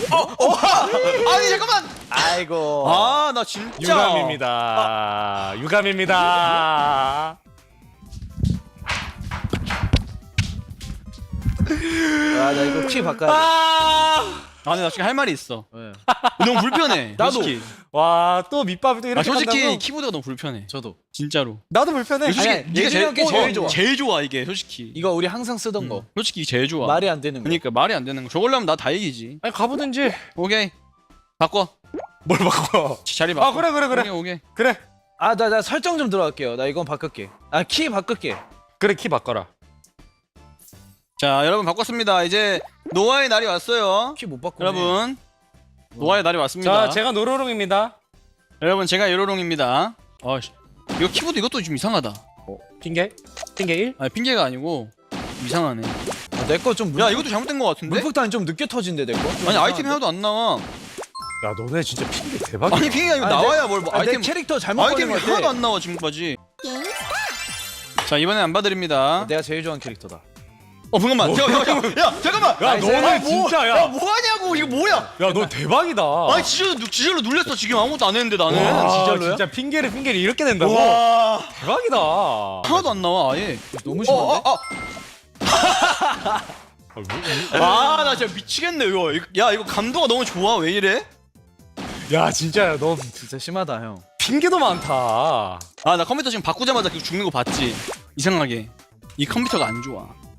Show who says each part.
Speaker 1: 아니 잠깐만.
Speaker 2: 아이고.
Speaker 1: 아 나 진짜.
Speaker 3: 유감입니다. 유감입니다.
Speaker 2: 아, 나 이거 키 바꿔야 돼.
Speaker 1: 아니 나 지금 할 말이 있어.
Speaker 2: 네.
Speaker 1: 너무 불편해.
Speaker 2: 나도.
Speaker 1: 솔직히.
Speaker 3: 와, 또 밑밥이 또 이렇게
Speaker 1: 솔직히
Speaker 3: 간다고?
Speaker 1: 키보드가 너무 불편해.
Speaker 2: 저도.
Speaker 1: 진짜로.
Speaker 3: 나도 불편해.
Speaker 1: 솔직히
Speaker 2: 아니,
Speaker 1: 네가
Speaker 2: 예준이 형께 제일 좋아.
Speaker 1: 제일 좋아 이게 솔직히.
Speaker 2: 이거 우리 항상 쓰던 거.
Speaker 1: 솔직히 이게 제일 좋아.
Speaker 2: 말이 안 되는 거.
Speaker 1: 그러니까 말이 안 되는 거. 저걸로 하면 나 다 이기지.
Speaker 3: 아니 가보든지.
Speaker 1: 오케이. 바꿔.
Speaker 3: 뭘 바꿔?
Speaker 1: 자리 바꿔.
Speaker 3: 아 그래 그래 그래
Speaker 1: 오케이 오케이.
Speaker 3: 그래
Speaker 2: 아, 나 설정 좀 들어갈게요. 나 이건 바꿀게. 아, 키 바꿀게.
Speaker 3: 그래 키 바꿔라.
Speaker 1: 자 여러분 바꿨습니다. 이제 노아의 날이 왔어요.
Speaker 2: 키 못 바꾸네.
Speaker 1: 여러분 노아의 날이 왔습니다.
Speaker 3: 자 제가 노로롱입니다.
Speaker 1: 여러분 제가 요로롱입니다. 아씨 이거 키보드 이것도 좀 이상하다.
Speaker 3: 핑계? 핑계 1?
Speaker 1: 아니 핑계가 아니고 이상하네.
Speaker 2: 아, 내 거 좀
Speaker 1: 야 이것도 잘못된 것 같은데?
Speaker 2: 물폭탄이 좀 늦게 터진대, 내 거.
Speaker 1: 아니 아이템이 하나도 안 나와.
Speaker 3: 야 너네 진짜 핑계 대박이야.
Speaker 1: 아니 핑계가 이거
Speaker 2: 아니,
Speaker 1: 나와야 뭘 뭐,
Speaker 2: 아,
Speaker 1: 아이템
Speaker 2: 내 캐릭터 잘못 걸린
Speaker 1: 아이템이
Speaker 2: 거
Speaker 1: 하나도
Speaker 2: 같아.
Speaker 1: 안 나와 지금까지. 자 이번엔 안 봐드립니다.
Speaker 2: 내가 제일 좋아하는 캐릭터다.
Speaker 1: 잠깐만. 야 잠깐만.
Speaker 3: 야
Speaker 2: 나이스.
Speaker 3: 너네 진짜 야.
Speaker 1: 뭐하냐고 이거 뭐야?
Speaker 3: 야 너 대박이다.
Speaker 1: 아니 지절로 눌렸어 지금 아무것도 안 했는데 나는.
Speaker 3: 와,
Speaker 2: 진짜로요?
Speaker 3: 진짜 핑계를 이렇게 낸다고?
Speaker 1: 와
Speaker 3: 대박이다.
Speaker 1: 하나도 안 나와 아예.
Speaker 2: 너무 심한데?
Speaker 1: 나 진짜 미치겠네 이거. 야 이거 감도가 너무 좋아. 왜 이래?
Speaker 3: 야 진짜 너
Speaker 2: 진짜 심하다, 형.
Speaker 3: 핑계도 많다.
Speaker 1: 나 컴퓨터 지금 바꾸자마자 죽는 거 봤지? 이상하게 이 컴퓨터가 안 좋아.